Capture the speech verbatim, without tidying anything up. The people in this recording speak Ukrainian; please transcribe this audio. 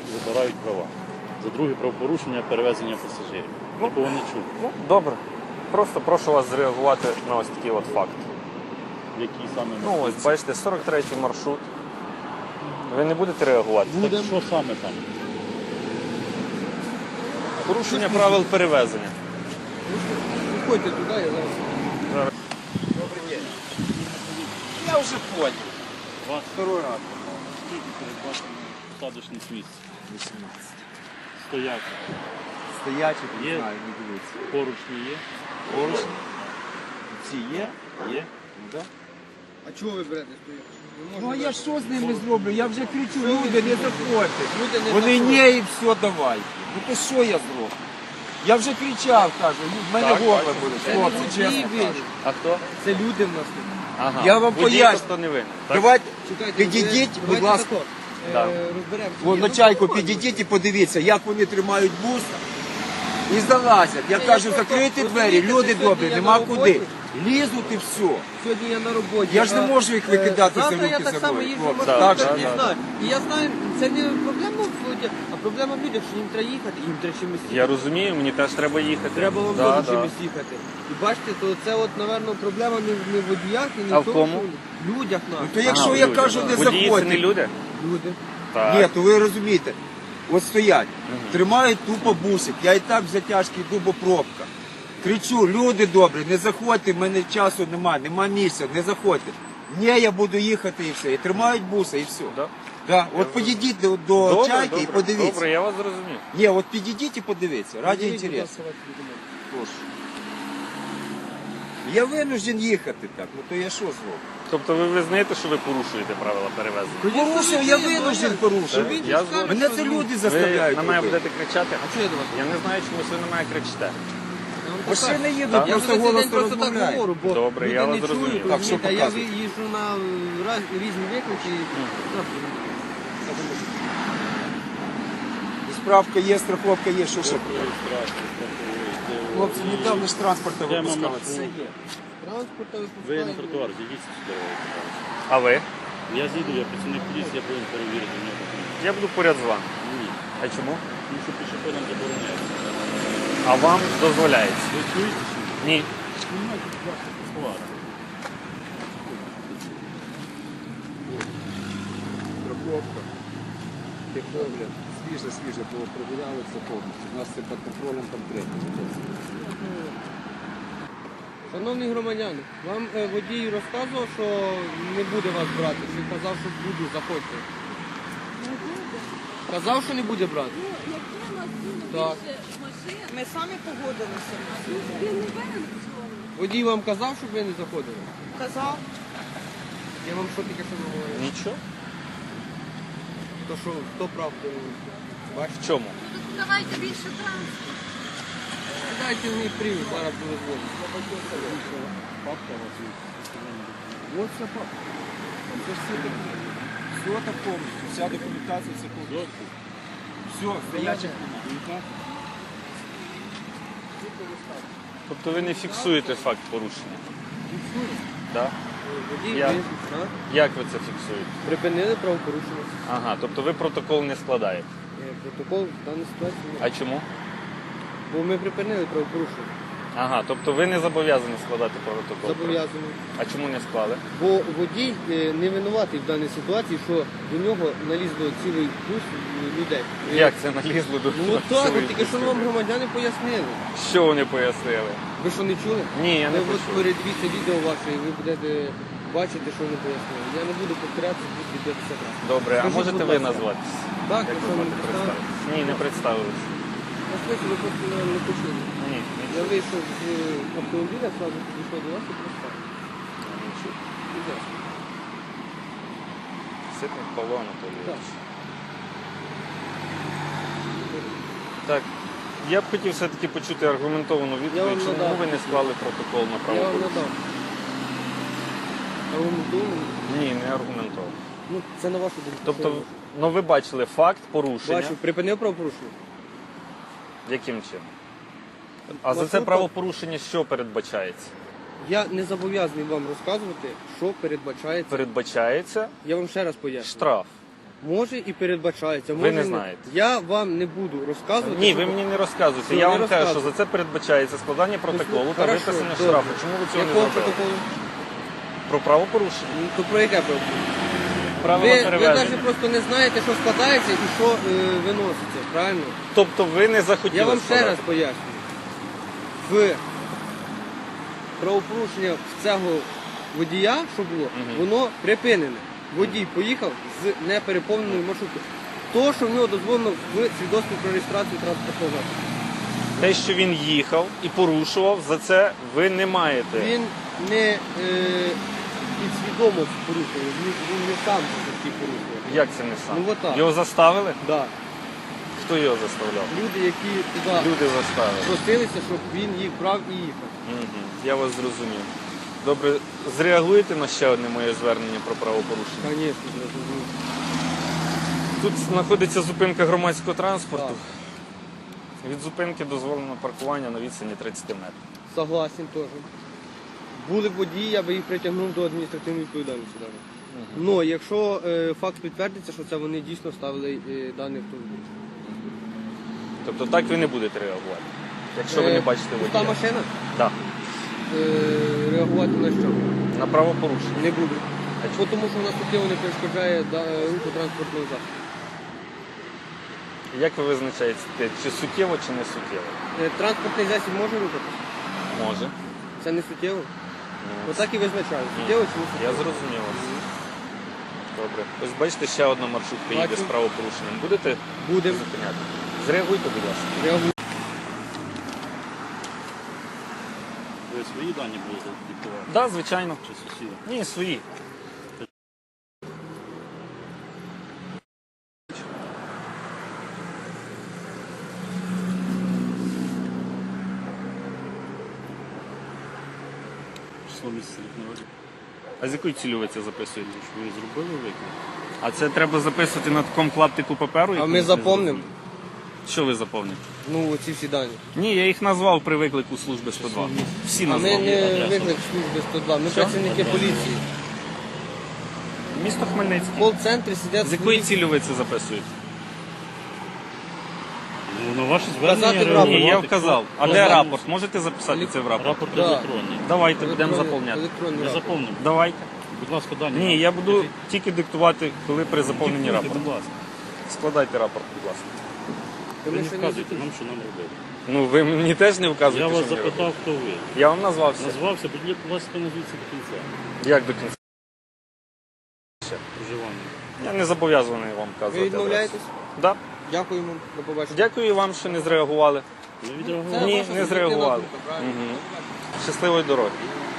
забирають права. За друге правопорушення перевезення пасажирів. Такого не чув. Ну, добре. Просто прошу вас зреагувати на ось такий от факт. Який саме Ну ось, бачите, сорок третій маршрут. Ви не будете реагувати? Так що саме там? Порушення правил перевезення. Виходьте туди, я зараз. Добрий день. Я вже понял. Вас Второй раз. скільки передбачено посадочних місць? вісімнадцять. Стояк. Стоячий, не Є. знаю, не дивіться. Поручні є? Поруч. Ці є? Є. Ну, да. А чого ви берете стоїть? Ну а я що з ними зроблю? Я вже кричу, люди, не заходьте. Люди не Вони заходять. ні і все, давайте. Ну то що я зроблю? Я вже кричав, кажу, ну, в мене Так, горло бачу. буде, Це хлопці, не чесно водії кажу. винні. А хто? Це люди в нас тут. Ага. Я вам Водій поясню. просто не винен. Так? Давайте, Чекайте, підійдіть, ви- будь давайте ласка. тако, е, Да. розберемося. Вон Ні, на ну, чайку нормально. підійдіть і подивіться, як вони тримають бус і залазять. Я Ні, кажу, я просто- закрийте двері, розумієте, люди сьогодні добрі, я нема на куди. роботі. Лізуть і все. Сьогодні я на роботі. Я ж не а, можу їх е, викидати за завтра руки я так за само мною, їжджу хлопці. маршрутом, Так, не так, знаю. І я знаю, це не проблема в воді, а проблема в людях, що їм треба їхати, їм треба чимось їхати. Я розумію, мені теж треба їхати. Треба вам да, да, да. чимось їхати. І бачите, то це от, напевно, проблема не, в- не в водіях, і не А в в тому, кому? що в людях Ну нас. то якщо Ага, я люди, кажу, да. не Водії це не заходьте. люди? Люди. Так. Ні, то ви розумієте. От стоять, тримають тупо бусик. Я і так в затяжкій дубо пробка. Кричу, люди добрі, не заходьте, в мене часу немає, нема місця, не заходьте. Ні, я буду їхати і все. І тримають буса і все. Да? Да. От підійдіть до, до Добре, чайки добре, і подивіться. Добре, я вас зрозумів. Ні, от підійдіть і подивіться, раді Подивіть, будь інтересу. ласка, ваші документи. Прошу. Я винужден їхати так, ну то я що зроблю? Тобто ви визнаєте, що ви порушуєте правила перевезення? Порушив, я винужден порушив. Він я згоден. Мене це люди Ви заставляють. на мене робити. будете кричати? А що я до вас? Я не знаю, чомусь ви на мене кричите. Я вам Машини покажу. їдуть, Так. Я просто вже цей день голосно просто так розмовляють. говорю, бо Добре, люди я не вас зрозумів. чують, Так, що розумієте, а я показуєте? їжджу на е, раз, різні виклики. І справка є, страховка є, що ще? Хлопці, недавно ж транспорта Йдемо випускали. на Це є. Транспорта Ви на випускаємо. тротуар, зійдіть з дороги. А ви? Я зійду, я працівник поліції, я повинен перевірити в нього документи. Я буду поряд з вами. Ні. А чому? Тому що пішоходам забороняється. А вам дозволяється? Ви чуєте, що Ні. знімайте, будь ласка, тротуар. Страховка, техогляд, свіже, свіже, бо прогуляли це повністю. У нас це під контролем конкретно. Шановні громадяни, вам е, водій розказував, що не буде вас брати. Чи казав, що буду, заходьте. Казав, що не буде брати. Ну, якби у нас було Так. більше машин, Ми самі погодилися. він не винен в цьому. Водій вам казав, щоб ви не заходили. Казав, Я вам що таке що говорю? Нічого. То що, хто прав, то бачите. В чому? Ну, так давайте більше транспорту. Дайте мені привід, зараз буду зводити. Папка у вас є. Ось це папка. Це ж все таке. Все так повністю, вся документація, все повністю. Все, стоячих немає. Тобто ви не фіксуєте факт порушення? Так? Водій, Я- ви а? Як ви це фіксуєте? припинили правопорушення. Ага, тобто ви протокол не складаєте. Е, Протокол в даній ситуації немає. А чому? Бо ми припинили правопорушення. Ага, тобто ви не зобов'язані складати протокол. Зобов'язані. А чому не склали? Бо водій е, не винуватий в даній ситуації, що до нього налізло цілий бус е, людей. Е, Як це налізло до Ну от так, цілої от тільки що пустелі? вам громадяни пояснили. Що вони пояснили? Ви що не чули? Ні, я не Ви от почув. передивіться відео ваше і ви будете бачити, що вони пояснили. Я не буду повторятися, буду дивитися раз. Добре, а Скажіть, можете будь ви ласка. назватися? Так, Як ви ви що не можете представили? представитися? Ні, не представилися. Я слухаю, ви просто не, не почули. Ні, не Я вийшов з е, автомобіля, одразу підійшов до вас і представив. чув. Будь ласка. Ситник Павло Анатолійович. Так. Так, я б хотів все-таки почути аргументовану Я відповідь, вам чому надав. ви не склали протокол на Я вам правопорушення. надав. Аргументований. Ні, не аргументовано. Ну, це на вашу думку. Тобто, Що я ну ви бачили факт порушення. бачу, припинив правопорушення. Яким чином? А за це Маршрутка- правопорушення що передбачається? Я не зобов'язаний вам розказувати, що передбачається. Передбачається Я вам ще раз поясню. штраф. Може і передбачається. Ви може не ні. знаєте. Я вам не буду розказувати. Ні, що- ви мені не розказуєте. Все, Я не вам кажу, що розказую. за це передбачається складання протоколу та Хорошо, виписання добре. штрафу. Чому ви цього не Якого зробили? протоколу? Про правопорушення. Ну, то про яке правопорушення? Правила Ви, ви перевезення. навіть просто не знаєте, що складається і що е, виноситься, правильно? Тобто ви не захотіли Я вам ще складати? раз пояснюю. В правопорушення цього водія, що було, воно припинене. Водій поїхав з непереповненою маршруткою. То, що в нього дозволено в свідоцтві про реєстрацію транспортного засобу. Те, що він їхав і порушував, за це ви не маєте. Він не е, підсвідомо порушував, він, він не сам це таки порушував. Як це не сам? Ну, отак. Його заставили? Да. Хто його заставляв? Люди, які туди Люди заставили. просилися, щоб він їх брав і їхав. Мгм. Я вас зрозумів. Добре, зреагуєте на ще одне моє звернення про правопорушення? Звісно, зрозуміло. Тут знаходиться зупинка громадського транспорту. Від зупинки дозволено паркування на відстані тридцять метрів. Согласен теж. Були б водії, я би їх притягнув до адміністративної відповідальності. Ну, угу. Якщо е, факт підтвердиться, що це вони дійсно ставили е, даний автомобіль. Тобто так ви не будете реагувати, якщо ви не бачите Пуста водія. машина? Так. Е, реагувати на що? На правопорушення. Не буду. Бо тому що в нас суттєво не перешкоджає да, руху транспортного засобу. Як ви визначаєте, чи суттєво, чи не суттєво? Е, Транспортний засіб може рухатися? Може. Це не суттєво? Ну, Отак і визначаю. Суттєво чи не Я суттєво? зрозумів вас. Добре. Ось бачите, ще одна маршрутка їде Бачу. з правопорушенням. Будете Будемо. зупиняти? Зреагуйте, будь ласка. Реагую. Ви свої дані будете диктувати? Так, да, звичайно. Чи сусіди? Ні, свої. Число місяця рік народження. А з якою цілею ви це записуєте? Ви зробили виклик? А це треба записувати на такому клаптику паперу? А якому ми не запомнимо? зрозуміло? Що ви заповните? Ну, ці всі дані. Ні, я їх назвав при виклику служби сто два. Всі А ми назвав. не адреса. виклик служби сто два, ми Що? працівники поліції. Місто Хмельницький. В кол-центрі сидять З якої свої- цілі ви це записуєте? Ну, на ваше звернення Вказати в реагувати. Ні, я Хто- вказав. А хто де звернувся? рапорт? Можете записати це в рапорт? Рапорт Да. електронний. Давайте, будемо електронний- заповняти. електронний Не рапорт. заповнимо. Давайте. Будь ласка, дані. Ні, я буду тільки диктувати, коли при заповненні Диктуйте, рапорту. будь ласка. Складайте рапорт, будь ласка. Ви Ми не ще не вказуєте закінчили. нам, що нам робити. Ну, ви мені теж не вказуєте, Я вас що мені робити. запитав, хто ви. Я вам назвався. Назвався, будь ласка, назвіться до кінця. Як до кінця? Проживання. Я не зобов'язаний вам Ви вказувати. відмовляєтесь? адресу. Да. Дякуємо, до побачення. Дякую вам, що не зреагували. Не Це відреагували. Ні, ваша не суб'єктивна зреагували. думка, правильно? Мгм. До побачення. Щасливої дороги.